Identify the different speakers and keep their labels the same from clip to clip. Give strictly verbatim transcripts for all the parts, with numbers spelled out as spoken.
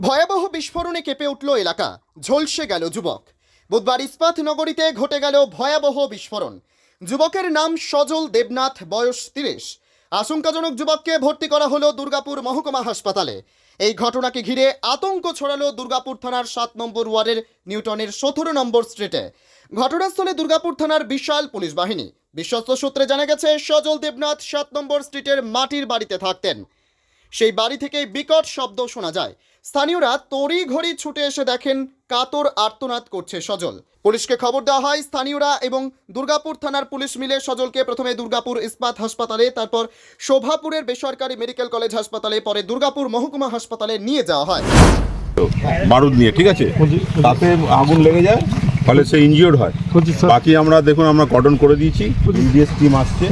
Speaker 1: ভয়াবহ বিস্ফোরণে কেঁপে উঠল এলাকা, ঝলসে গেল যুবক। বুধবার ইস্পাত নগরীতে ঘটে গেল ভয়াবহ বিস্ফোরণ। যুবকের নাম সজল দেবনাথ, বয়স তিরিশ। আশঙ্কাজনক যুবককে ভর্তি করা হলো দুর্গাপুর মহকুমা হাসপাতালে। এই ঘটনাকে ঘিরে আতঙ্ক ছড়ালো দুর্গাপুর থানার সাত নম্বর ওয়ার্ডের নিউটনের সতেরো নম্বর স্ট্রিটে। ঘটনাস্থলে দুর্গাপুর থানার বিশাল পুলিশ বাহিনী। বিশ্বস্ত সূত্রে জানা গেছে, সজল দেবনাথ সাত নম্বর স্ট্রিটের মাটির বাড়িতে থাকতেন। সেই বাড়ি থেকে বিকট শব্দ শোনা যায়। স্থানীয়রা তড়ি ঘড়ি ছুটে এসে দেখেন কাতর আর্তনাদ করছে সজল। পুলিশকে খবর দেওয়া হয়। স্থানীয়রা এবং দুর্গাপুর থানার পুলিশ মিলে সজলকে প্রথমে দুর্গাপুর ইস্পাত হাসপাতালে, তারপর শোভাপুরের বেসরকারি মেডিকেল কলেজ হাসপাতালে, পরে দুর্গাপুর মহকুমা হাসপাতালে নিয়ে যাওয়া হয়।
Speaker 2: বারুদ নিয়ে, ঠিক আছে, তাতে আগুন লেগে যায়, ফলে সে ইনজিওর্ড হয়। বাকি আমরা দেখুন, আমরা কর্ডন করে দিয়েছি, ইডিএস টিম আসছে।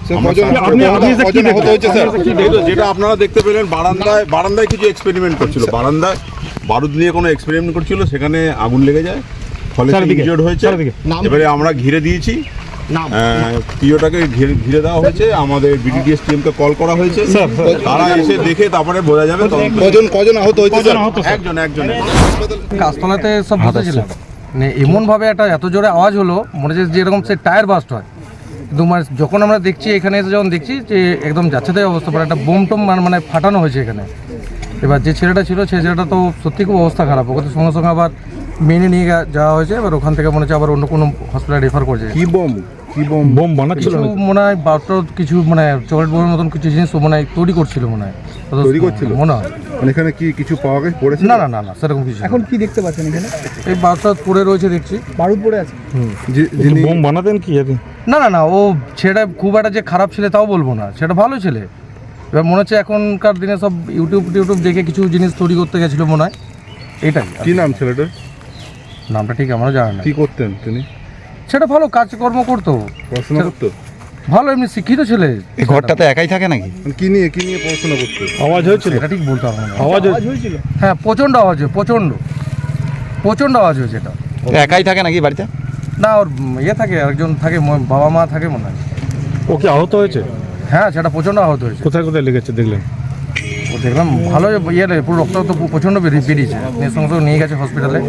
Speaker 2: যেটা আপনারা দেখতে পেলেন, বারান্দায় বারান্দায় কিছু এক্সপেরিমেন্ট করছিল, বারান্দায় বারুদ নিয়ে কোনো এক্সপেরিমেন্ট করছিল, সেখানে আগুন লেগে যায়, ফলে ইনজিওর্ড হয়েছে। এবারে আমরা ঘিরে দিয়েছি, পিওটাকে ঘিরে দেওয়া হয়েছে, আমাদের বিডিডিএস টিমকে কল করা হয়েছে, তারা এসে দেখে তারপরে বোঝা যাবে কজন কজন আহত হয়েছে। একজন একজন
Speaker 3: গাছতলাতে সব বসেছিলাম, মানে এমনভাবে একটা এত জোরে আওয়াজ হলো, মনে হচ্ছে যেরকম সে টায়ার বাস্ট হয়। কিন্তু মানে যখন আমরা দেখছি, এখানে এসে যখন দেখছি যে একদম যাচ্ছে তাই অবস্থা, পরে একটা বোম টোম মানে ফাটানো হয়েছে এখানে। এবার যে ছেলেটা ছিল, সেই ছেলেটা তো সত্যি খুব অবস্থা খারাপ, ওকে তো সঙ্গে সঙ্গে আবার মেনে নিয়ে যাওয়া হয়েছে। এবার ওখান থেকে মনে হচ্ছে আবার অন্য কোনো হসপিটালে রেফার করছে।
Speaker 2: কি বোম কি বোম বোম বানাচ্ছিল
Speaker 3: মনে হয়, বারোটা কিছু মানে চকলেট বোমের মতন কিছু জিনিস মনে হয় তৈরি করছিল, মনে হয়
Speaker 2: তৈরি করছিল
Speaker 3: মনে হয়।
Speaker 2: এখানে কি কিছু পাওয়া গেছে? পড়েছে?
Speaker 3: না না না না সেরকম কিছু।
Speaker 4: এখন কি দেখতে পাচ্ছেন এখানে?
Speaker 3: এই বারোটা পড়ে রয়েছে দেখছি,
Speaker 4: বারুদ পড়ে আছে।
Speaker 2: যিনি বোম বানাতেন কি জানি?
Speaker 3: না না না, ও ছেলেটা খুব একটা যে খারাপ ছেলে তাও বলবো না, সেটা ভালো ছেলে। এবার মনে হচ্ছে এখনকার দিনে সব ইউটিউব টিউটিউব দেখে কিছু জিনিস তৈরি করতে গেছিলো মনে হয়, এটাই।
Speaker 2: কি নাম ছেলেটার?
Speaker 3: নামটা ঠিক আমরা জানি না।
Speaker 2: কি করতেন তিনি?
Speaker 3: সেটা ভালো কাজকর্ম করতো,
Speaker 2: পড়াশোনা করতো
Speaker 3: ভালো, এমনি শিক্ষিত ছেলে।
Speaker 5: এই ঘরটাতে একাই থাকে নাকি?
Speaker 2: কি নিয়ে কি নিয়ে পড়াশোনা করতো?
Speaker 3: আওয়াজ হয়েছিল, এটা ঠিক বলতে পারবো না।
Speaker 4: আওয়াজ হয়েছিল?
Speaker 3: হ্যাঁ, প্রচণ্ড আওয়াজ হয়েছে, প্রচণ্ড প্রচণ্ড আওয়াজ হয়েছে। এটা
Speaker 5: একাই থাকে নাকি বাড়িতে?
Speaker 3: না, ওর ইয়ে থাকে, একজন থাকে, বাবা মা থাকে মনে হয়।
Speaker 6: ও কি আহত হয়েছে?
Speaker 3: হ্যাঁ, সেটা প্রচণ্ড আহত হয়েছে।
Speaker 6: কোথায় কোথায় লেগেছে দেখলেন?
Speaker 3: ও দেখলাম ভালো ইয়ে, পুরো রক্ত তো প্রচণ্ড বেরিয়েছে, নিয়ে সঙ্গে সঙ্গে নিয়ে গেছে হসপিটালে।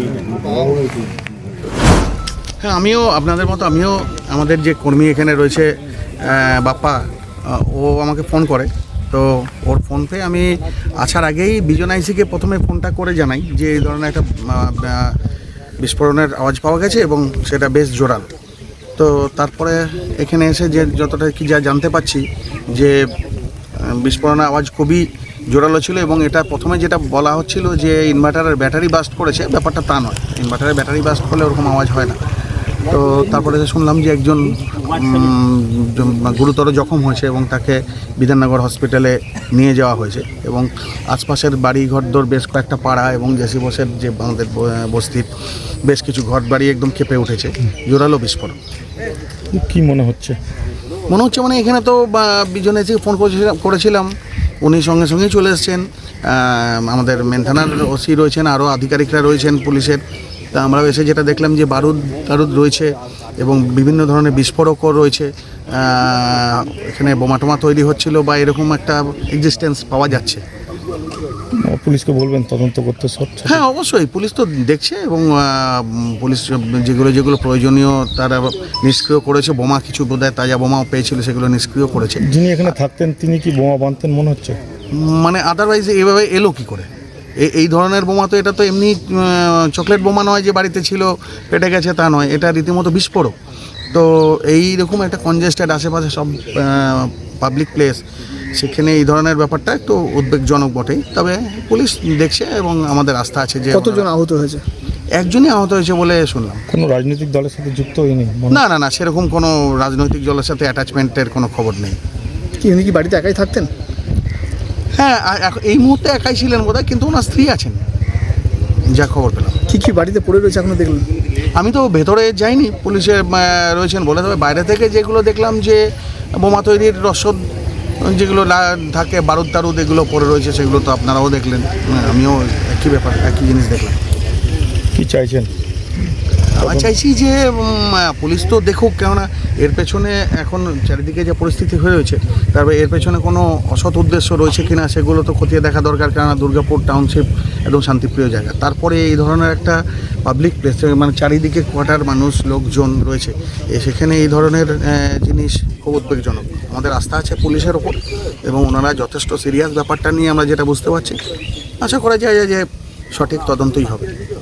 Speaker 7: হ্যাঁ, আমিও আপনাদের মতো, আমিও আমাদের যে কর্মী এখানে রয়েছে বাপ্পা, ও আমাকে ফোন করে। তো ওর ফোন পেয়ে আমি আসার আগেই বিজন আইসিকে প্রথমে ফোনটা করে জানাই যে এই ধরনের একটা বিস্ফোরণের আওয়াজ পাওয়া গেছে এবং সেটা বেশ জোরাল। তো তারপরে এখানে এসে যে যতটা কি যা জানতে পারছি, যে বিস্ফোরণের আওয়াজ খুবই জোরালো ছিল এবং এটা প্রথমে যেটা বলা হচ্ছিল যে ইনভার্টারের ব্যাটারি বাস্ট করেছে, ব্যাপারটা তা নয়। ইনভার্টারের ব্যাটারি বাস্ট করলে ওরকম আওয়াজ হয় না। তো তারপরে শুনলাম যে একজন গুরুতর জখম হয়েছে এবং তাকে বিধাননগর হসপিটালে নিয়ে যাওয়া হয়েছে এবং আশপাশের বাড়ি ঘরদোর বেশ কয়েকটা পাড়া এবং জেসি বসের যে আমাদের বস্তির বেশ কিছু ঘর বাড়ি একদম কেঁপে উঠেছে, জোরালো বিস্ফোরণ।
Speaker 6: কি মনে হচ্ছে?
Speaker 7: মনে হচ্ছে মানে এখানে তো বিজন এসে ফোন করেছিলাম করেছিলাম উনি সঙ্গে সঙ্গেই চলে এসছেন। আমাদের মেন থানার ওসি রয়েছেন, আরও আধিকারিকরা রয়েছেন পুলিশের। তা আমরাও এসে যেটা দেখলাম যে বারুদ টারুদ রয়েছে এবং বিভিন্ন ধরনের বিস্ফোরকও রয়েছে। এখানে বোমা টোমা তৈরি হচ্ছিল বা এরকম একটা এক্সিস্টেন্স পাওয়া যাচ্ছে।
Speaker 6: পুলিশকে বলবেন তদন্ত করতে সব?
Speaker 7: হ্যাঁ, অবশ্যই পুলিশ তো দেখছে এবং পুলিশ যেগুলো যেগুলো প্রয়োজনীয় তারা নিষ্ক্রিয় করেছে। বোমা কিছু বোধহয় তাজা বোমাও পেয়েছিল, সেগুলো নিষ্ক্রিয় করেছে।
Speaker 6: যিনি এখানে থাকতেন তিনি কি বোমা বাঁধতেন মনে হচ্ছে?
Speaker 7: মানে আদারওয়াইজ এভাবে এলো কি করে? এই ধরনের বোমা তো, এটা তো এমনি চকলেট বোমা নয় যে বাড়িতে ছিল পেটে গেছে, তা নয়, এটা রীতিমতো বিস্ফোরক। তো এই রকম একটা কনজেস্টেড আশেপাশে সব পাবলিক প্লেস, সেখানে এই ধরনের ব্যাপারটা একটু উদ্বেগজনক বটেই। তবে পুলিশ দেখছে এবং আমাদের আস্থা আছে যে।
Speaker 4: কতজন আহত হয়েছে?
Speaker 7: একজনই আহত হয়েছে বলে শুনলাম।
Speaker 6: কোনো রাজনৈতিক দলের সাথে যুক্ত হয়নি?
Speaker 7: না না না, সেরকম কোনো রাজনৈতিক দলের সাথে অ্যাটাচমেন্টের কোনো খবর নেই।
Speaker 4: কি উনি কি বাড়িতে একাই থাকতেন?
Speaker 7: হ্যাঁ, এই মুহূর্তে একাই ছিলেন বোধহয়, কিন্তু ওনার স্ত্রী আছেন যা খবর পেলাম।
Speaker 4: কি কি বাড়িতে পড়ে রয়েছে এখনো দেখলেন?
Speaker 7: আমি তো ভেতরে যাইনি, পুলিশের রয়েছেন বলে। তবে বাইরে থেকে যেগুলো দেখলাম যে বোমা তৈরির রসদ যেগুলো থাকে, বারুদ টারুদ এগুলো পড়ে রয়েছে, সেগুলো তো আপনারাও দেখলেন, আমিও একই ব্যাপার, একই জিনিস দেখলাম।
Speaker 6: কি চাইছেন?
Speaker 7: আমরা চাইছি যে উম, পুলিশ তো দেখুক, কেননা এর পেছনে এখন চারিদিকে যে পরিস্থিতি হয়ে রয়েছে, তারপরে এর পেছনে কোনো অসৎ উদ্দেশ্য রয়েছে কিনা সেগুলো তো খতিয়ে দেখা দরকার, কেননা দুর্গাপুর টাউনশিপ একদম শান্তিপ্রিয় জায়গা। তারপরে এই ধরনের একটা পাবলিক প্লেস, মানে চারিদিকে কোয়ার্টার মানুষ লোকজন রয়েছে, এ সেখানে এই ধরনের আহ, জিনিস খুব উদ্বেগজনক। আমাদের আস্থা আছে পুলিশের ওপর এবং ওনারা যথেষ্ট সিরিয়াস ব্যাপারটা নিয়ে আমরা যেটা বুঝতে পারছি, আশা করা যায় যে সঠিক তদন্তই হবে।